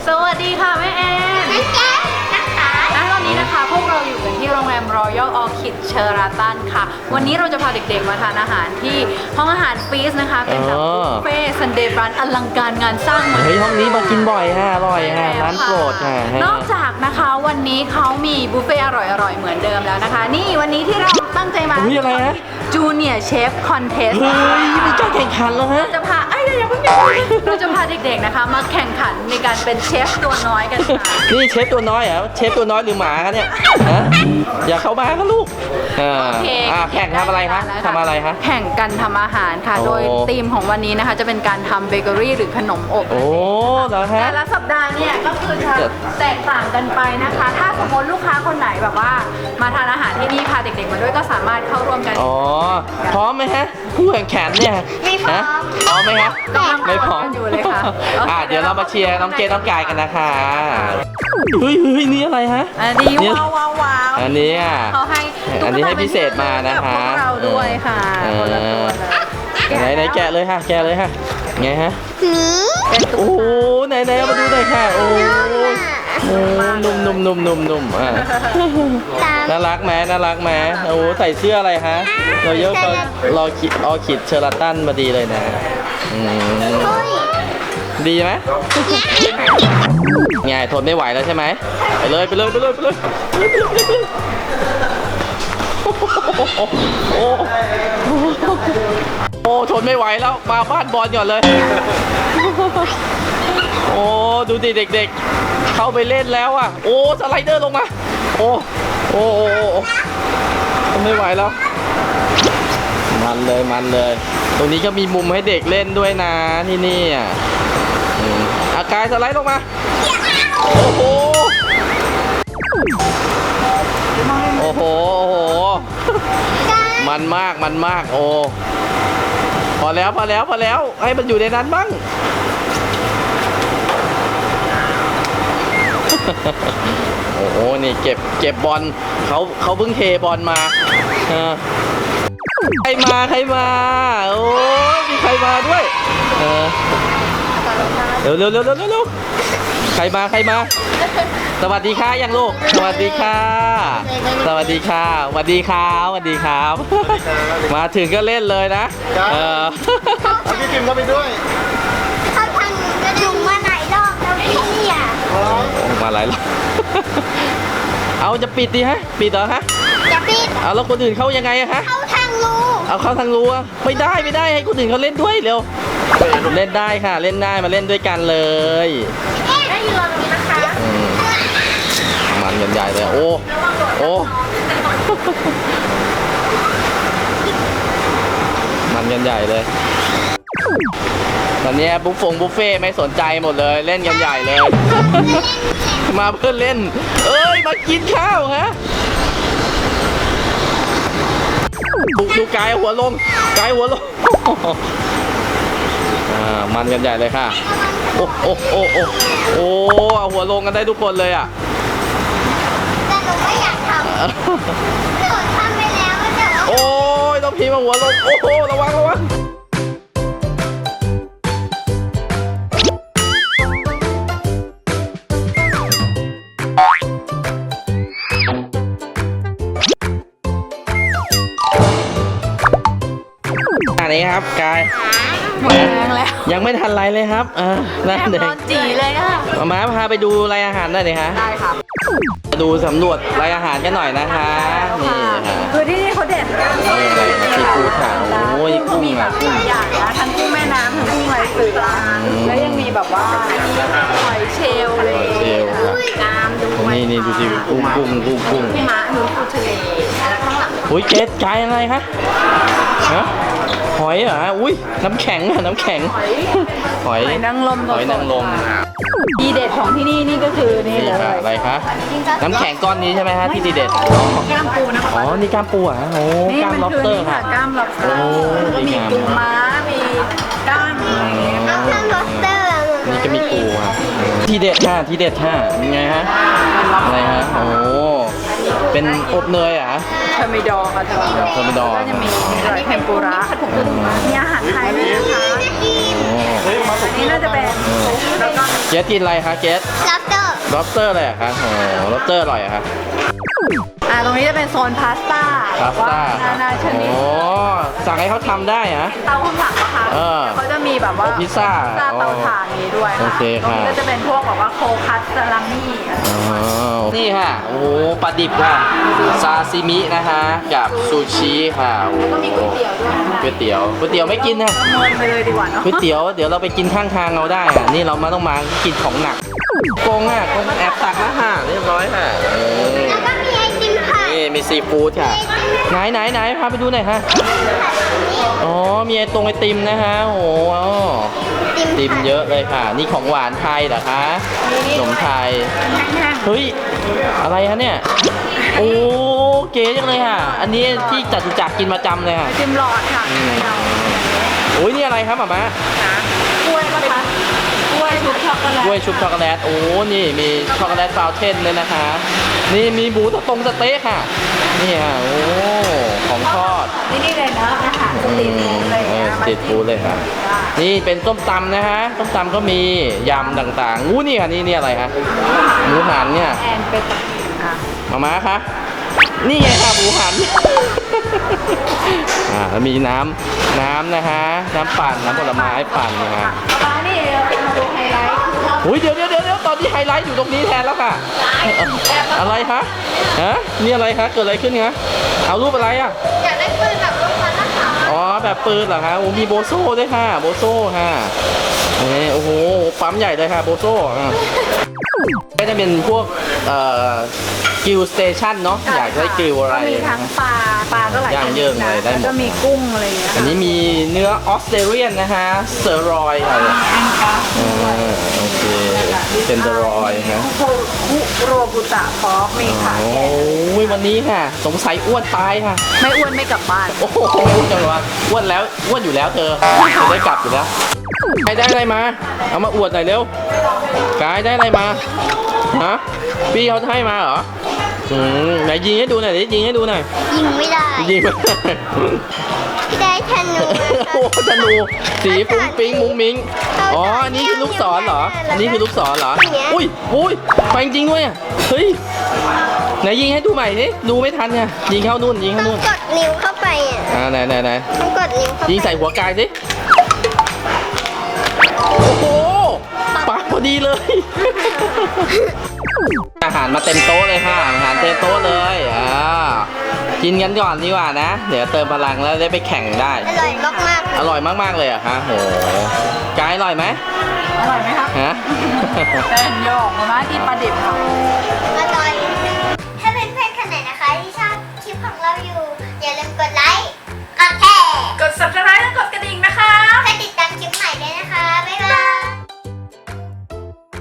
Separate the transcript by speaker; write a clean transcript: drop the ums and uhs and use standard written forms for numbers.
Speaker 1: สวัสดีค่ะแม่แอนและตอนนี้นะคะพวกเราอยู่กันที่โรงแรม Royal Orchid Sheraton ค่ะวันนี้เราจะพาเด็กๆมาทานอาหารที่ห้องอาหารฟีสนะคะเป็นแบบบุฟเฟ่ซันเดย์บรันอลังการงานสร้าง
Speaker 2: เฮ้ยห้องนี้มากินบ่อยฮะอร่อยฮะร้านโปรดฮะ
Speaker 1: นอกจากนะคะวันนี้เขามีบุฟเฟ่อร่อยๆเหมือนเดิมแล้วนะคะ นี่วันนี้ที่เราตั้งใจมา
Speaker 2: อะไรฮะ
Speaker 1: จูเนียร์เชฟคอนเทสต์
Speaker 2: เฮ้ยมีการแข่งขันแล้วฮะ
Speaker 1: จะพาอย่าเพิ่งเราจะพาเด็กๆนะคะมาแข่งขันในการเป็นเชฟตัวน้อยกันค่ะ
Speaker 2: นี่เชฟตัวน้อยเหรอเชฟตัวน้อยหรือหมาคะเนี่ยฮะอย่าเข้ามาครับลูกแข่งทำอะไรคะทำอะไรคะ
Speaker 1: แข่งกันทำอาหารค่ะ
Speaker 2: โอ้
Speaker 1: โดยธีมของวันนี้นะคะจะเป็นการทำเบเกอรี่หรือขนมอบ
Speaker 2: โอ้เหรอฮะ
Speaker 1: แต่ละสัปดาห์เนี่ยก็คือจะแตกต่างกันไปนะคะ ถ้าสมมติลูกค้าคนไหนแบบว่ามาทานอาหารที่นี่พาเด็กๆมาด้วยก็สามารถเข้าร่วมกัน
Speaker 2: อ๋อพร้อมไหมฮะผู้แข่งขันเนี่ย
Speaker 1: ไม่พร้อม
Speaker 2: ฮะพร้อมไหมครับ
Speaker 1: กำลัง
Speaker 2: ไม่พร้อม
Speaker 1: กันอยู่เลยค่ะ
Speaker 2: เดี๋ยวเรามาเชียร์น้องเกดน้องกายกันนะคะเฮ้ยนี่อะไรฮะ
Speaker 1: อันนี้ว้าว
Speaker 2: อันนี้อ่ะ
Speaker 1: เขาให้
Speaker 2: อันนี้ให้พิเศษมานะคะ
Speaker 1: พวกเราด้วยค่ะคนละตัวเลย
Speaker 2: ไหนแกะเลยค่ะแกะเลยค่ะไงฮะ
Speaker 1: เป็นตุ๊
Speaker 2: โอ้
Speaker 1: ก
Speaker 2: โหไหนเอามาดูหน่อยค่ะโอ้นุ่มอ่ะน่ารักไหมโอ้ใส่เสื้ออะไรฮะเราเยอะก็รอขิดเชอร์ตันมาดีเลยนะดีไหมไงทนไม่ไหวแล้วใช่ไหมไปเลยโอ้ทนไม่ไหวแล้วมาบ้านบอลก่อนเลยโอ้ดูดิเด็กๆเข้าไปเล่นแล้วอ่ะโอ้สไลเดอร์ลงมาโอ้ทนไม่ไหวแล้วมันเลยตรงนี้ก็มีมุมให้เด็กเล่นด้วยนะที่นี่อ่ะอากายสไลด์ลงมาโอ้โหมันมากโอ้พอแล้วให้มันอยู่ในนั้นบ้างโอ้โหนี่เก็บบอลเขาเพิ่งเทบอลมาใครมาโอ้มีใครมาด้วยเร็วใครมาสวัสดีค่ะยังลูกสวัสดีครับมาถึงก็เล่นเลยนะ
Speaker 3: เอาพี่พิมพ์เข้าไปด้วย
Speaker 4: เขาทางกระดุมมาไหนรอบแล้วพี่เนี่ย
Speaker 2: มาหลายรอบเอาจะปิดดิฮะปิดเหรอฮะ
Speaker 4: จะปิด
Speaker 2: เอาแล้วคนอื่นเข้ายังไงอะฮะ
Speaker 4: เข้าทางรู
Speaker 2: เอาเข้าทางรั้วไม่ได้ให้คนอื่นเขาเล่นด้วยเร็วเล่นได้ค่ะเล่นได้มาเล่นด้วยกันเลย
Speaker 4: ได้ยืนตรงนี้นะคะ
Speaker 2: มันกันใหญ่เลยโอ้มันกันใหญ่เลยตอนนี้บุฟเฟ่ไม่สนใจหมดเลยเล่นกันใหญ่เลย มาเพื่อเล่นมากินข้าวฮะดูกายหัวลงมันกันใหญ่เลยค่ะโอ้เอาหัวลงกันได้ทุกคนเลยอ่ะ
Speaker 4: แต่หนูไม่อยากทำหนูทำไปแล้วแต่ว่า
Speaker 2: โอ้ยต้องพีมาหัวลงโอ้โหระวังอันนี้ครับกาย
Speaker 1: หมดแรงแล้ว
Speaker 2: ยังไม่ทันไรเลยครับนั่น
Speaker 1: แอบ
Speaker 2: เด็
Speaker 1: นอนจีเลยค่ะ
Speaker 2: มาพาไปดูรายอาหารหน่อยดิคะ
Speaker 1: ได้ค่ะ
Speaker 2: ดูสำรวจรายอาหารกันหน่อยนะคะนี่ค่ะ
Speaker 1: คือที่นี่เขาเด็ด
Speaker 2: นี่เลยซีฟู้ดค่ะโอ้ยกุ้ง
Speaker 1: มีแบ
Speaker 2: อ่ะ
Speaker 1: บหลายอย่างนะทั้งกุ้งแม่น้ำทั้งกุ้งลายเสือแล้วยังมีแบบว่าหอยเชลล์เลยกล้ามด้วย
Speaker 2: นี่ดูสิกุ้ง
Speaker 1: พี่ม้าหนูปูทะเลแล้วข้างหลัง
Speaker 2: อุ้ยเจ๊กายอะไรคะฮะหอยเหรออุ้ยน้ำแข็งอะน้ำแข็งหอย
Speaker 1: หอยนางรม
Speaker 2: หอยนางรม
Speaker 1: ดีเด็ดของที่นี่นี่ก็คือนี่เลย
Speaker 2: ค่ะอะไรคะน้ำแข็งก้อนนี้ใช่ไหมฮะที่ดีเด็ด
Speaker 1: กล้ามปูนะคะ
Speaker 2: อ๋อนี่กล้ามปูอ่ะโอ้
Speaker 1: นี่
Speaker 2: กล้าม
Speaker 1: มัน
Speaker 2: ล็อบ
Speaker 1: คือ
Speaker 2: สเตอ
Speaker 1: นี่
Speaker 2: ร์
Speaker 1: ค่ะ
Speaker 2: ค่ะ
Speaker 1: กล้ามล็อบสเตอร์
Speaker 2: โอ้
Speaker 1: แล้วก็มี
Speaker 2: ดีงาม
Speaker 1: ปูม้ามีกล้ามอะไรอย่างเงี้ย
Speaker 4: เอาทางรถเตอร์
Speaker 2: นี่ก็มีปูอ่ะที่เด็ดค่ะยังไงฮะอะไรฮะโอ้เป็นอบเนยเหรอ่ะ
Speaker 1: เทอร์มิดอร์ค่ะเทอร์มิดอร์
Speaker 2: เทอร์มิดอร์
Speaker 1: ก็จะมีเทมปุระมีอาหารไทยด้วยนะคะ
Speaker 3: เฮ้ยมาสุ
Speaker 1: อั
Speaker 3: ก
Speaker 1: นนี้น่าจะเป็นซุปแล้วก็
Speaker 2: เกสกินอะไรคะเกส
Speaker 4: ลับเตอร์
Speaker 2: lobster อะไรอะคะโอ้ lobster อร่อยอะคะ
Speaker 1: ตรงนี้จะเป็นโซนพาสต้า
Speaker 2: พาสต้า
Speaker 1: นานาชนิด
Speaker 2: โอ้สั่งให้เขาทำได้ฮะ
Speaker 1: เตาข้างหลังนะคะ
Speaker 2: เออ
Speaker 1: เขาจะมีแบบว่า
Speaker 2: โอ้พิซซ่า
Speaker 1: เตาถ่านนี้ด้วย
Speaker 2: โอ
Speaker 1: ค่ะ
Speaker 2: เค
Speaker 1: ตรงนี้
Speaker 2: ค่ะ
Speaker 1: ก็จะเป็นพวกแบบว่าโคคัสซาลามี่อะไร
Speaker 2: นี่ค่ะ โอ้ปลาดิบค่ะ ซาซิมินะคะ กับซูชิค่ะโอ้
Speaker 1: แล้วก็มีก๋วยเตี๋ยวด้วยนะคะ
Speaker 2: ก๋วยเตี๋ยวไม่กินนะ
Speaker 1: เมินไปเลยดีกว่าเนาะ
Speaker 2: ก๋วยเตี๋ยวเดี๋ยวเราไปกินข้างทางเราได้อะนี่เรามาต้องมากินของหนักกงอ่ะกงแอบตักแล้วค่ะเรียบร้อยค่ะ
Speaker 4: แล้วก็มีไอติมผัด
Speaker 2: นี่มีซีฟู้ดค่ะ ไหนพาไปดูหน่อยฮะ อ๋อ มีไอติมนะฮะ โอ้โหติมเยอะเลยค่ะ นี่ของหวานไทยเหรอคะขนมไทย
Speaker 1: แห้ง
Speaker 2: เฮ้ย อะไรฮะเนี่ย โอ้เก๋จังเลยค่ะ อันนี้ที่จตุจักรกินประจำเลยค่ะ
Speaker 1: ๆจิมหลอดค่ะ
Speaker 2: โอ้ยนี่อะไรครับหม่ามะ
Speaker 1: กล้วยปะคะกล้วยชุบช็อกโกแลต
Speaker 2: กล้วยชุบช็อกโกแลต โอ้ นี่มีช็อกโกแลตฟาวเทนเลยนะคะ นี่มีหมูสเต๊ะค่ะ นี่ค่ะ โอ้ ของทอด
Speaker 1: นี่เลยนะอาหารสตรีทฟู้ดอะไรอย่างเงี้ย
Speaker 2: สตรีทฟู้ดเลยค่ะ นี่เป็นส้มตำนะฮะ ส้มตำก็มียำต่างๆอู้นี่ค่ะนี่อะไรฮะหมูหันเนี่ย
Speaker 1: แอนเป็นตะค่ะ
Speaker 2: มาม่าคะนี่ไงค่ะหมูหัน แล้วมีน้ำนะฮะ น้ำปั่น น้ำผลไม้ปั่นนะฮะ
Speaker 1: ป้านี่เรามาดูไฮไลท์คือเขา
Speaker 2: อุ้ยเดี๋ยวตอนนี้ไฮไลท์อยู่ตรงนี้แทนแล้วค่ะ อะไรคะฮะนี่อะไรคะ เกิดอะไรขึ้นคะเอารูปอะไรอ่ะ
Speaker 4: อยากได้ปืนแบบลูกบอลนะคะ
Speaker 2: อ๋อแบบปืนเหรอคะโอ้มีโบโซ่ด้วยค่ะ โบโซ่ค่ะโอ้โหปั๊มใหญ่เลยค่ะโบโซ่ก็จะเป็นพวกกิลสเตชันเนาะอยากได้กิลอะไร
Speaker 1: ก็มีทั้งปลาก็หลาย
Speaker 2: ย่างเยิ่งเลยได้หมด
Speaker 1: แล้วก็มีกุ้งอะไรอย่างเงี้ย
Speaker 2: อันนี้มีเนื้อออสเตรเลียนนะฮะเซอร์รอยค่ะ
Speaker 1: แองกัส
Speaker 2: โอเคเป็นเซอร์รอยนะ
Speaker 1: คุโรบุตะฟอกมีค่ะ
Speaker 2: โอ้ยวันนี้ค่ะ สงสัยอ้วนตายค่ะ
Speaker 1: ไม่อ้วนไม่กลับบ้าน
Speaker 2: โอ้โหอ้วนจังวะอ้วนแล้วอ้วนอยู่แล้วเธอจะได้กลับอยู่แล้วใครได้อะไรมา เอามาอวดหน่อยเร็วกายได้อะไรมาฮะพี่เขาให้มาเหรอไหนยิงให้ดูหน่อยดิยิงให้ดูหน่อย
Speaker 4: ยิงไม่ได้
Speaker 2: ยิงไม่ได้
Speaker 4: ได้ธนู
Speaker 2: โอ้ธนูสีฟุ้งฟิ้งมุ้งมิ้งอ๋ออันนี้คือลูกศรเหรออันนี้คือลูกศรเหรออุ้ยไปจริงด้วยอ่ะเฮ้ยไหนยิงให้ดูใหม่ดิดูไม่ทันไงยิงเข้านู่นยิง
Speaker 4: ต้
Speaker 2: เข้า
Speaker 4: อง
Speaker 2: นู่น
Speaker 4: กดนิ้วเข้าไปอ่ะ
Speaker 2: ไหน
Speaker 4: ต้องกดนิ้วเข้าไป
Speaker 2: ยิงใส่หัวกายสิโอ้โหปักพอดีเลย อาหารมาเต็มโต๊ะเลยค่ะอาหารเต็มโต๊ะเลยกินกันก่อนดีกว่านะ เดี๋ยวเติมพลังแล้วได้ไปแข่งได้
Speaker 4: อร่อยมากๆ
Speaker 2: อร่อยมากๆเลยอะฮะโหกายอร่อยไหม
Speaker 1: อร่อยไหมครับ
Speaker 2: ฮะ
Speaker 1: แป้งโยกมาที่ปลาดิบค่ะ
Speaker 4: อร่อยถ้าเป็นเพื่อนๆคนไหนนะคะที่ชอบคลิปของเราอยู่ อย่าลืมกดไล